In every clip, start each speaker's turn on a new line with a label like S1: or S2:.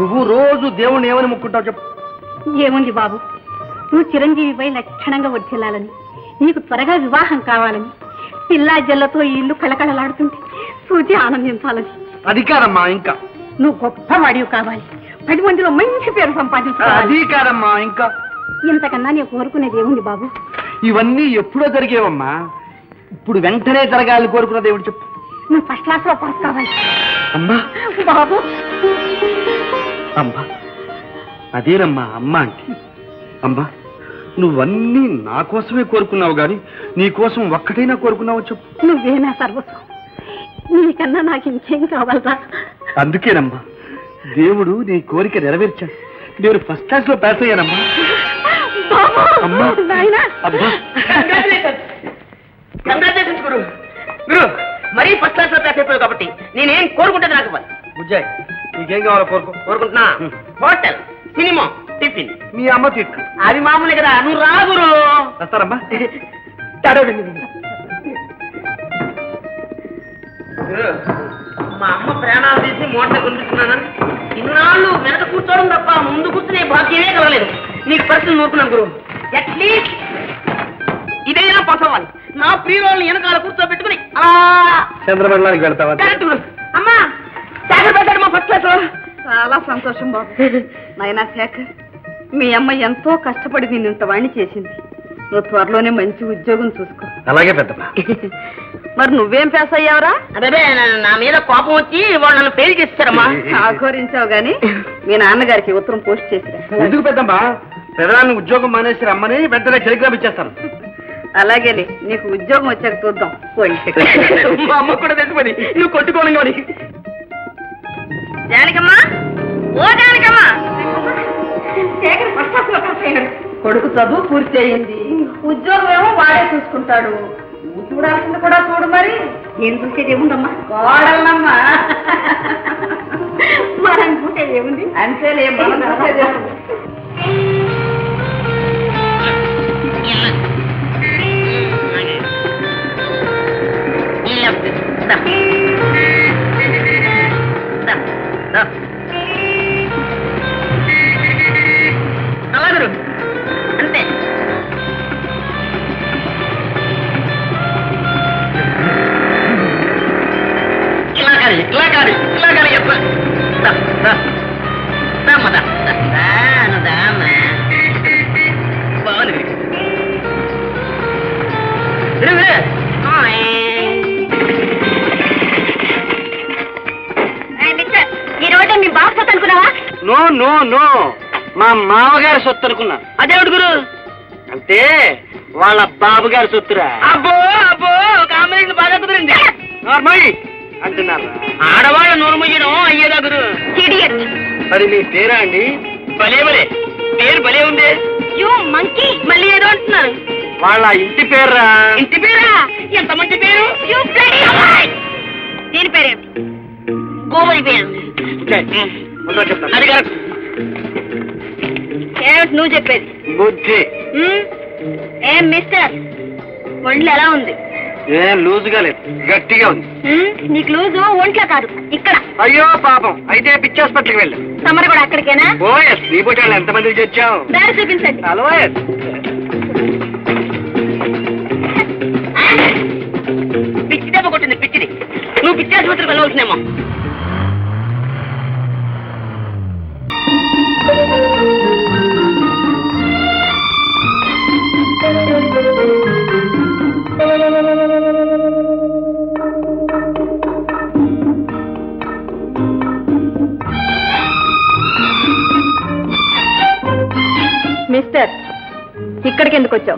S1: నువ్వు రోజు దేవుణ్ణి ఏమని ముక్కుంటావు చెప్పు.
S2: ఏముంది బాబు, నువ్వు చిరంజీవిపై లక్షణంగా వర్ధిల్లాలని, నీకు త్వరగా వివాహం కావాలని, పిల్లా జల్లతో ఈ ఇల్లు కళకళలాడుతుంటే చూచి ఆనందించాలని.
S1: అది కాదమ్మా, ఇంకా
S2: నువ్వు గొప్పవాడివి కావాలి, 10 మందిలో మంచి పేరు సంపాదించాలి.
S1: అది కాదమ్మా, ఇంకా
S2: ఇంతకన్నా నేను కోరుకునేది ఏముంది బాబు?
S1: ఇవన్నీ ఎప్పుడో జరిగేవమ్మా, ఇప్పుడు వెంటనే జరగాలని కోరుకున్న దేవుడు చెప్పు.
S2: నువ్వు ఫస్ట్ క్లాస్ లో పాస్ కావాలి.
S1: అమ్మా
S2: బాబు,
S1: అమ్మా అదేనమ్మా అమ్మ అంటే. అమ్మా నువ్వన్నీ నా కోసమే కోరుకున్నావు గాని నీ కోసం ఒక్కటైనా కోరుకున్నావు చెప్పు.
S2: నువ్వేనా సర్వస్వం, నీకన్నా నాకు ఇంకేం కావాలరా?
S1: అందుకేనమ్మా దేవుడు నీ కోరిక నెరవేర్చాడు. నేను ఫస్ట్ క్లాస్ లో పాస్ అయ్యానమ్మా. అమ్మా అబ్బా
S3: కంగ్రాచులేషన్స్ గురు. గురు మరీ ఫస్ట్ క్లాస్ లో పాస్ అయిపోయావు కాబట్టి నేనేం కోరుకుంటే నాకు ఇవ్వాలి.
S1: బుజ్జాయ్ నీకేం కావాలో
S3: కోరుకుంటున్నా. Hotel, cinema, tiffin.
S1: మీ అమ్మ తిట్టు
S3: అది మామూలే కదా, నువ్వు రా గురు.
S1: వస్తారమ్మా.
S3: గురు, మా అమ్మ ప్రాణాలు తీసి మోటార్ కొనిపిస్తున్నానని ఇన్నాళ్ళు వెనక కూర్చోవడం తప్ప ముందు కూర్చునే భాగ్యమే కలగలేదు. నీకు పరిస్థితులు నూరుకున్నాను గురు. అట్లీస్ట్ ఇదైనా పాస్ అవ్వాలి. నా ప్రియురాళ్ళని వెనకాల కూర్చోబెట్టుకుని అలా
S1: చంద్రమండలానికి వెళ్తావా?
S3: అమ్మా శేఖర్ పెట్టాడు మా ఫస్ట్ క్లాస్ లో.
S2: చాలా సంతోషం బాబు. నాయనా శేఖర్, మీ అమ్మ ఎంతో కష్టపడి నేను ఇంత వాణ్ణి చేసింది. నువ్వు త్వరలోనే మంచి ఉద్యోగం చూసుకో.
S1: అలాగే పెద్దమ్మా.
S2: మరి నువ్వేం పాస్ అయ్యావరా?
S3: అదే నా మీద కోపం వచ్చి వాళ్ళు నన్ను ఫెయిల్ చేస్తారమ్మా.
S2: ఆఘోరించావు గాని మీ నాన్నగారికి ఉత్తరం పోస్ట్ చేసిరా.
S1: ఎందుకు పెద్దమ్మా, పెదనాన్ని ఉద్యోగం మానేసి రమ్మని వెంటనే టెలిగ్రామ్ ఇచ్చేస్తాను.
S2: అలాగేలే, నీకు ఉద్యోగం వచ్చాక చూద్దాం.
S3: మా అమ్మ కూడా తెలుసుకొని నువ్వు కొట్టుకోను కానీ. జానకమ్మా, ఓ జానకమ్మా.
S2: కొడుకు చదువు పూర్తి అయ్యింది, ఉద్యోగం ఏమో వాడే చూసుకుంటాడు. నువ్వు చూడాల్సింది కూడా చూడు. మరి ఏం చూసేది ఏముందమ్మా? కోడలమ్మా. మనం చూసేది ఏముంది? అంతేలే, మనం చూసేది ఏముంది?
S3: అలాగరు అంతే. ఇలా కాదు బాగుంది.
S2: ఈ రోడ్డు మీ బాగా సొత్తు అనుకున్నావా?
S1: నో నో నో, మా మామగారి సొత్తు అనుకున్నా.
S3: అదేవిడు గురు?
S1: అంటే వాళ్ళ బాబు గారి సొత్తురా.
S3: అబ్బో అబ్బో, కాంబినేషన్ బాగా కుదిరింది.
S1: నార్మల్ అంటున్నారా?
S3: ఆడవాళ్ళ నోరు ముయ్యడం అయ్యేదా గురు?
S1: మరి మీ పేరా అండి?
S3: భలే భలే పేరు భలే ఉంది. యూ మంకీ, మళ్ళీ ఏదో అంటున్నారు.
S1: వాళ్ళ ఇంటి పేర్రా.
S3: ఇంటి పేరా? ఎంత మంచి పేరు.
S2: దీని పేరేమిటి?
S3: గోవరి పేరు.
S1: చెప్తాను.
S3: అది కరెక్ట్.
S2: ఏమిటి నువ్వు చెప్పేది?
S1: బుద్ధి.
S2: ఏం మిస్టర్, ఒంట్లో ఎలా ఉంది?
S1: ఏం లూజుగా లేదు, గట్టిగా ఉంది.
S2: నీకు లూజు ఒంట్లో కాదు, ఇక్కడ.
S1: అయ్యో పాపం, అయితే పిచ్చి హాస్పిటల్కి వెళ్ళాం.
S2: తమరు కూడా అక్కడికేనా?
S1: ఓఎస్, నీ పోటీ వాళ్ళు ఎంతమందికి తెచ్చావు?
S2: దారి చూపించండి.
S1: Hello yes.
S3: పిచ్చి దెబ్బ కొట్టింది, పిచ్చిది. నువ్వు పిచ్చి ఆసుపత్రికి వెళ్ళవలసినేమో.
S2: మిస్టర్, ఇక్కడికి ఎందుకు వచ్చావు?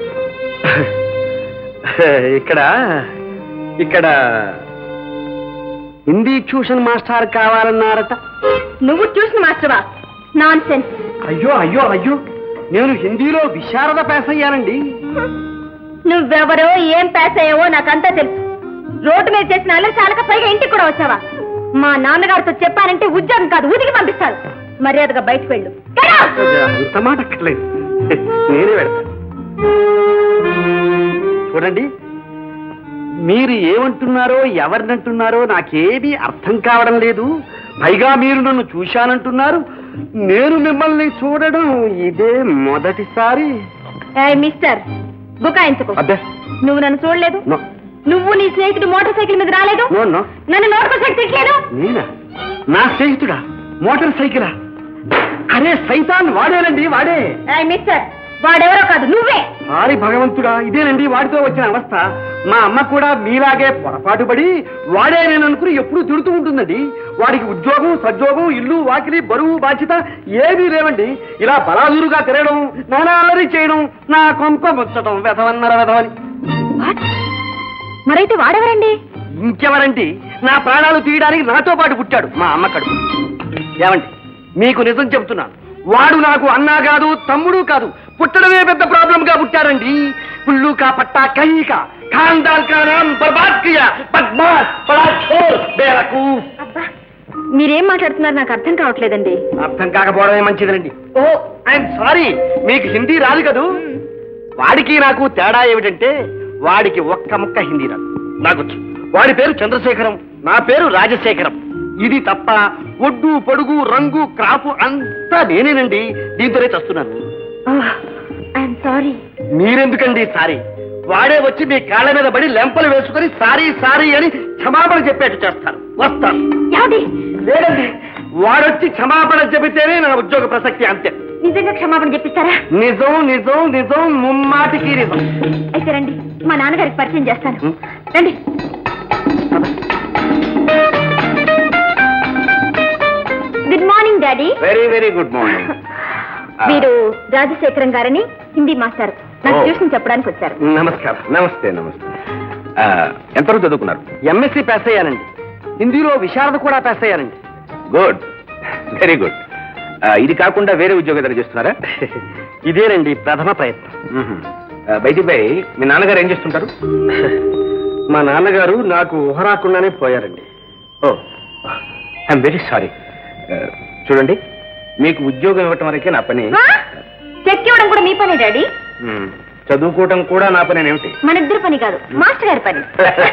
S1: ఇక్కడ ఇక్కడ హిందీ ట్యూషన్ మాస్టర్ కావాలన్నారట.
S2: నువ్వు ట్యూషన్ మాస్టర్వా? Non sense.
S1: అయ్యో అయ్యో అయ్యో, నేను హిందీలో విశారద పాస్ అయ్యానండి.
S2: నువ్వెవరో, ఏం పాస్ అయ్యావో నాకంతా తెలుసు. రోడ్డు మీద చేసిన అల్లరి చాలక పైగా ఇంటికి కూడా వచ్చావా? మా నాన్నగారితో చెప్పానంటే ఉద్యోగం కాదు, ఉతికి పంపిస్తారు. మర్యాదగా బయటకు వెళ్ళు.
S1: అంత మాట అక్కర్లేదు, నేనే వెళ్తాను. చూడండి, మీరు ఏమంటున్నారో ఎవరినంటున్నారో నాకేమీ అర్థం కావడం లేదు. పైగా మీరు నన్ను చూశానంటున్నారు, నేను మిమ్మల్ని చూడడం ఇదే మొదటిసారి.
S2: మిస్టర్ బుకాయించుకో.
S1: అబ్బే
S2: నువ్వు నన్ను చూడలేదు,
S1: నో.
S2: నువ్వు నీ స్నేహితుడు మోటార్ సైకిల్ మీద రాలేదు,
S1: నో నో.
S2: నన్ను నోటుకు శక్తిలేదు.
S1: నేనా? నా స్నేహితుడా? మోటార్ సైకిలా? అరే సైతాన్ వాడేనండి, వాడే.
S2: మిస్టర్ వాడెవరో కాదు, నువ్వే.
S1: సారీ భగవంతుడా, ఇదేనండి వాడితో వచ్చిన అవస్థ. మా అమ్మ కూడా మీలాగే పొరపాటు పడి వాడే నేను అనుకుని ఎప్పుడూ తిడుతూ ఉంటుందండి. వాడికి ఉద్యోగం, సద్యోగం, ఇల్లు, వాకిలి, బరువు, బాధ్యత ఏమీ లేవండి. ఇలా బలాదురుగా తిరగడం, నానా అల్లరి చేయడం, నా కొంప ముచ్చటం, వెధవన్నర వెధవని.
S2: మరైతే వాడెవరండి?
S1: ఇంకెవరండి? నా ప్రాణాలు తీయడానికి నాతో పాటు పుట్టాడు మా అమ్మ కడుపు. ఏమండి, మీకు నిజం చెబుతున్నాను, వాడు నాకు అన్నా కాదు, తమ్ముడు కాదు, పుట్టడమే పెద్ద ప్రాబ్లం గా పుట్టారండి. పుల్లు కా పట్టా కహీ కా ఖాన్దాన్ కా నామ్ బర్బాద్ కియా, బద్మాష్, బడా చోర్, బేవకూఫ్.
S2: అబ్బా, మీరేం మాట్లాడుతున్నారు నాకు అర్థం కావట్లేదండి.
S1: అర్థం కాకపోవడమే మంచిదండి. ఓ ఐఎమ్ సారీ, మీకు హిందీ రాదు కదూ. వాడికి నాకు తేడా ఏమిటంటే, వాడికి ఒక్క ముక్క హిందీ రాదు, నాకొచ్చు. వాడి పేరు చంద్రశేఖరం, నా పేరు రాజశేఖరం. ఇది తప్ప ఒడ్డు, పొడుగు, రంగు, క్రాపు అంతా నేనేనండి. దీంతోనే చస్తున్నాను.
S2: I'm sorry.
S1: మీరెందుకండి సారీ? వాడే వచ్చి మీ కాళ్ళ మీద పడి లెంపలు వేసుకుని సారీ సారీ అని క్షమాపణ చెప్పేట్టు చేస్తాను. వస్తాను. లేదండి, వాడొచ్చి క్షమాపణ చెబితేనే నా ఉద్యోగ ప్రసక్తి, అంతే.
S2: నిజంగా క్షమాపణ చెప్పిస్తారా?
S1: నిజం నిజం నిజం, ముమ్మాటికి నిజం.
S2: అయితే రండి, మా నాన్నగారికి పరిచయం చేస్తాను. రండి. Good morning daddy.
S1: Very very good morning.
S2: వీరు రాజశేఖరం గారని హిందీ మాస్టర్, నాకు ట్యూషన్ చెప్పడానికి వచ్చారు.
S1: నమస్కారం. నమస్తే నమస్తే. ఎంతవరకు చదువుకున్నారు? ఎంఎస్సీ పాస్ అయ్యానండి. హిందీలో విశారద కూడా పాస్ అయ్యానండి.
S4: Good, very good. ఇది కాకుండా వేరే ఉద్యోగం ఏదైనా చేస్తున్నారా?
S1: ఇదేనండి ప్రథమ ప్రయత్నం.
S4: బయటి బై మీ నాన్నగారు ఏం చేస్తుంటారు?
S1: మా నాన్నగారు నాకు ఊహ రాకుండానే పోయారండి.
S4: ఓ, ఐఎమ్ వెరీ సారీ. చూడండి, మీకు ఉద్యోగం ఇవ్వటం వరకే నా పని.
S2: చెక్ ఇవ్వడం కూడా మీ పని డాడీ?
S4: చదువుకోవటం కూడా నా పని ఏమిటి?
S2: మన ఇద్దరు పని కాదు, మాస్టర్ గారి పని.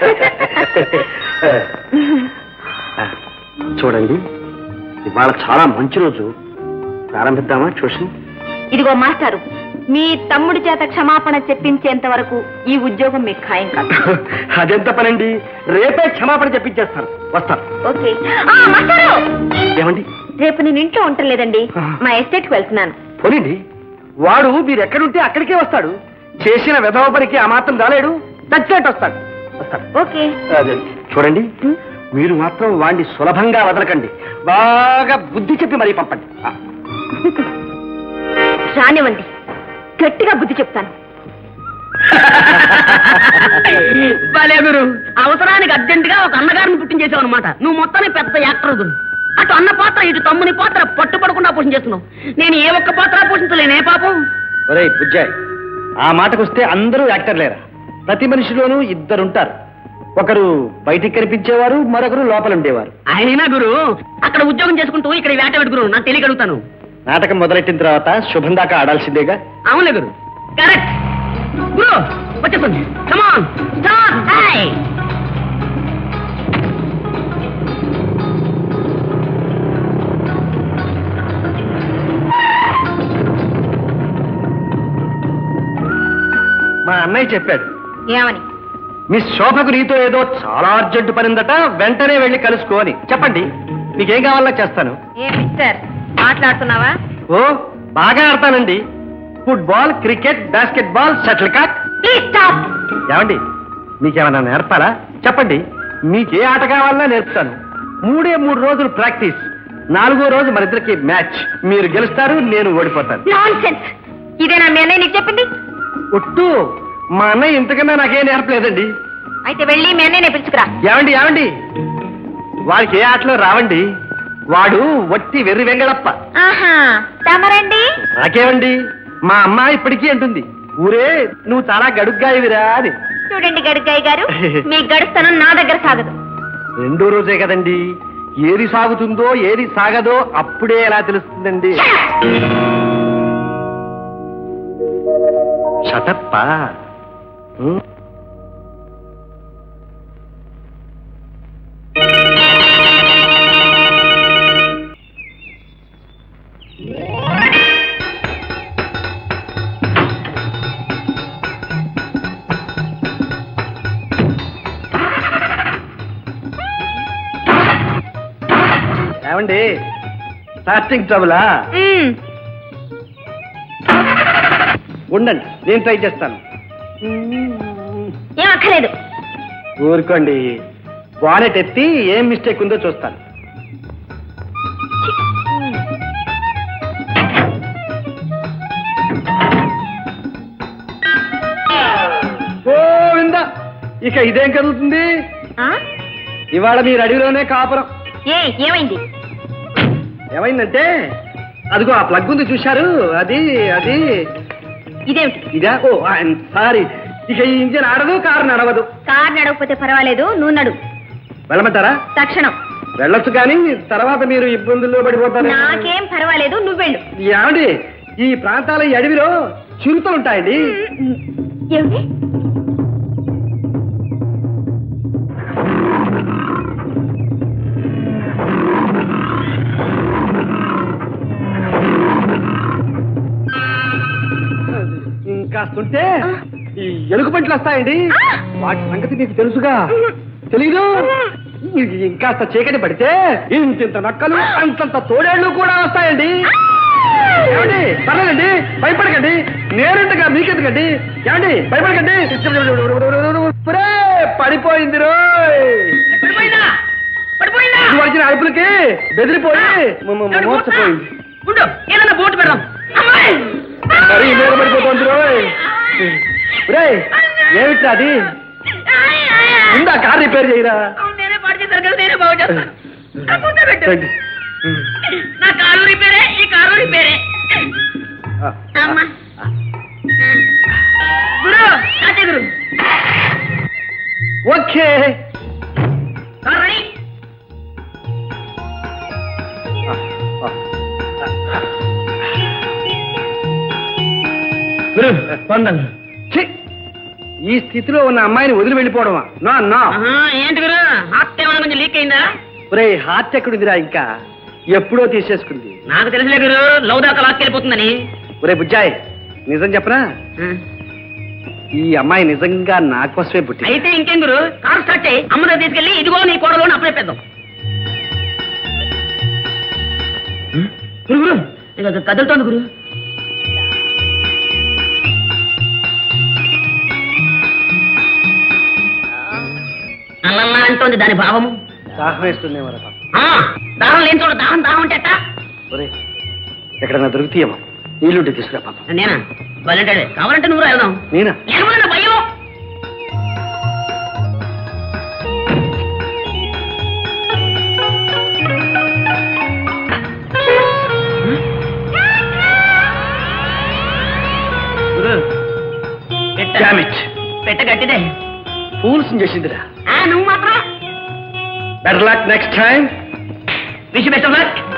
S1: చూడండి, ఇవాళ చాలా మంచి రోజు. ప్రారంభిద్దామా ట్యూషన్?
S2: ఇదిగో మాస్టారు, మీ తమ్ముడి చేత క్షమాపణ చెప్పించేంత వరకు ఈ ఉద్యోగం మీకు ఖాయం కాదు.
S1: అదెంత పనండి, రేపే క్షమాపణ చెప్పించేస్తాను. వస్తాను.
S2: ఓకే. మాస్టారు,
S1: ఏమండి?
S2: రేపు నేను ఇంట్లో ఉండలేదండి, మా ఎస్టేట్కి వెళ్తున్నాను.
S1: పోనండి, వాడు మీరు ఎక్కడుంటే అక్కడికే వస్తాడు. చేసిన విధవ పనికి ఆ మాత్రం రాలేడు, చచ్చేట్టు వస్తాడు. వస్తాడు.
S2: ఓకే.
S1: చూడండి, మీరు మాత్రం వాడిని సులభంగా వదలకండి. బాగా బుద్ధి చెప్పి మరీ పంపండి.
S2: రానివ్వండి, గట్టిగా బుద్ధి చెప్తాను.
S3: భలే గురు, అవసరానికి అర్జెంటుగా ఒక అన్నగారిని పుట్టించేసావు అనమాట. నువ్వు మొత్తాన్ని పెద్ద యాక్టర్ గురు. అటు అన్న పాత్ర, ఇటు తమ్ముని పాత్ర పట్టుపడకుండా పోషించేస్తున్నావు. నేను ఏ ఒక్క పాత్ర పోషించలేనే పాపం.
S1: ఒరేయ్ బుజ్జాయ్, ఆ మాటకొస్తే అందరూ యాక్టర్ లేరా? ప్రతి మనిషిలోనూ ఇద్దరుంటారు. ఒకరు బయటికి కనిపించేవారు, మరొకరు లోపల ఉండేవారు.
S3: అయినా గురు, అక్కడ ఉద్యోగం చేసుకుంటూ ఇక్కడ వేట పెట్టుకురు. నాకు తెలియగలుగుతాను.
S1: నాటకం మొదలెట్టిన తర్వాత శుభం దాకా ఆడాల్సిందేగా.
S3: అవునులే గురు, కరెక్ట్. గురు వచ్చేస్తుంది. Come on, start. హై.
S1: మా అన్నయ్య చెప్పాడు.
S2: ఏమని?
S1: మిస్ శోభకు నీతో ఏదో చాలా అర్జెంటు పనిందట, వెంటనే వెళ్ళి కలుసుకో అని. చెప్పండి, మీకేం కావాలో చేస్తాను.
S2: ఏ మిస్టర్, మాట్లాడుతున్నావా?
S1: ఓ, బాగా ఆడతానండి. Football, cricket, basketball, shuttlecock.
S2: Please stop.
S1: ఏమండి, మీకేమన్నా నేర్పాలా? చెప్పండి, మీకే ఆట కావాలన్నా నేర్పుతాను. 3 రోజులు ప్రాక్టీస్, 4వ రోజు మన ఇద్దరికి మ్యాచ్. మీరు గెలుస్తారు, నేను ఓడిపోతాను.
S2: నాన్సెన్స్. ఇదేనా మీ అన్నయ్య నీకు చెప్పింది?
S1: ఒట్టు, మా అన్నయ్య ఇంతకన్నా నాకేం నేర్పలేదండి.
S2: అయితే వెళ్ళి మీ అన్నయ్యనే పిలుచుకురా.
S1: ఏమండి ఏమండి, వాడికి ఏ ఆటలో రావండి. వాడు వట్టి వెర్రి వెంగళప్ప.
S2: ఆహా, తమరండి?
S1: నాకేమండి, మా అమ్మ ఇప్పటికీ అంటుంది, ఊరే నువ్వు చాలా గడుగ్గా ఇవిరా అని.
S2: చూడండి గడుగ్గాయి గారు, మీ గడుస్తాను నా దగ్గర సాగదు.
S1: 2వ రోజే కదండి, ఏది సాగుతుందో ఏది సాగదో అప్పుడే ఎలా తెలుస్తుందండి. షటప్పా. అండి స్టార్టింగ్ ట్రబులా ఉండండి నేను ట్రై చేస్తాను
S2: ఏం అక్కర్లేదు.
S1: ఊరుకోండి వాలెట్ ఎత్తి ఏం మిస్టేక్ ఉందో చూస్తాను గోవిందా ఇక ఇదేం కదులుతుంది
S2: ఆ?
S1: ఇవాళ మీరు అడవిలోనే కాపురం
S2: ఏమైంది?
S1: ఏమైందంటే అదిగో ఆ ప్లగ్ ఉంది చూశారు అది అది
S2: ఇదేమిటి?
S1: ఇదా ఓ ఐఎమ్ సారీ ఇక ఈ ఇంజిన్ ఆడదు కారు నడవదు
S2: కారు నడవకపోతే పర్వాలేదు, నువ్వు నడు
S1: వెళ్ళమంటారా
S2: తక్షణం.
S1: వెళ్ళొచ్చు కానీ తర్వాత మీరు ఇబ్బందుల్లో పడిపోతారు
S2: నాకేం పర్వాలేదు, నువ్వు వెళ్ళు.
S1: ఏమండి ఈ ప్రాంతాల ఈ అడవిలో చిరుతలు ఉంటాయండి
S2: ఏమిటి?
S1: ఇంకాస్తుంటే ఈ ఎలుగు పంటలు వస్తాయండి వాటి సంగతి మీకు తెలుసుగా తెలీదు ఇంకాస్త చీకటి పడితే ఇంతింత నక్కలు అంతంత తోడేళ్లు కూడా వస్తాయండి ఏమండి పర్లేదండి భయపడకండి నేరుగా మీకెందుకండి ఏమండి భయపడకండి ఒరే, పడిపోయింది రోయ్
S3: పడిపోయిందా? పడిపోయిందా?
S1: ఇది వచ్చిన అరుపులకి బెదిరిపోయి మోసపోయింది
S3: ఉండు, ఏదన్నా బోటు పెడదాం. అమ్మాయి!
S1: మరి మీద పడిపోతుంది రోయ్ ఒరే ఏమిట్రా అది ముందా కార్ రిపేర్ చేయరా
S3: అవును, నేనే పాడు చేశాను కదా, నేనే బాగు చేస్తాను. ఆ ముందే పెట్టు.
S1: రండి.
S3: నా కారు రిపేరే, ఈ కారు రిపేరే.
S1: ఆ,
S3: అమ్మా. గురు, కాచే గురు.
S1: Okay
S3: car ready.
S1: ఛీ! ఈ స్థితిలో ఉన్న అమ్మాయిని వదిలి వెళ్ళిపోవడమా నా నా
S3: ఆహా, ఏంటి గురు, హార్ట్ ఏమైనా కొంచెం లీక్ అయిందా?
S1: ఒరే హార్ట్ ఎక్కడుందిరా ఇంకా ఎప్పుడో తీసేసుకుంది
S3: నాకు తెలుసులే గురు, లవ్ దాకా లాక్కెళ్ళిపోతుందని.
S1: ఒరే బుజ్జాయ్ నిజం చెప్పనా ఈ అమ్మాయి నిజంగా నా కోసమే పుట్టింది
S3: అయితే ఇంకేం గురు, కారు స్టార్ట్ చేయి, అమ్మ దగ్గర తీసుకెళ్ళి ఇదిగో నీ కోడలో అప్పచెప్పేద్దాం. గురు గురు, ఇక కదులుతోంది గురు. అల్లల్లా అంటోంది దాని భావము.
S1: దాహం వేస్తుందేమో రా పాపం.
S3: ఆ, దాహం లేని చోట దాహం దాహం అంటే ఎట్టా?
S1: ఒరే ఎక్కడన్నా దొరుకుతాయేమో నీళ్ళుంటే తీసుకురా పాపం
S3: నేనా వాళ్ళంటే కావాలంటే నువ్వు వెళ్దాం.
S1: నేనా
S3: ఏమన్నా భయం?
S1: Damn it.
S3: పెట్ట గట్టిదే.
S1: ఫూల్స్ చేసిందిరా
S3: నువ్వు మాత్రం
S1: better luck next time
S3: wish best of luck.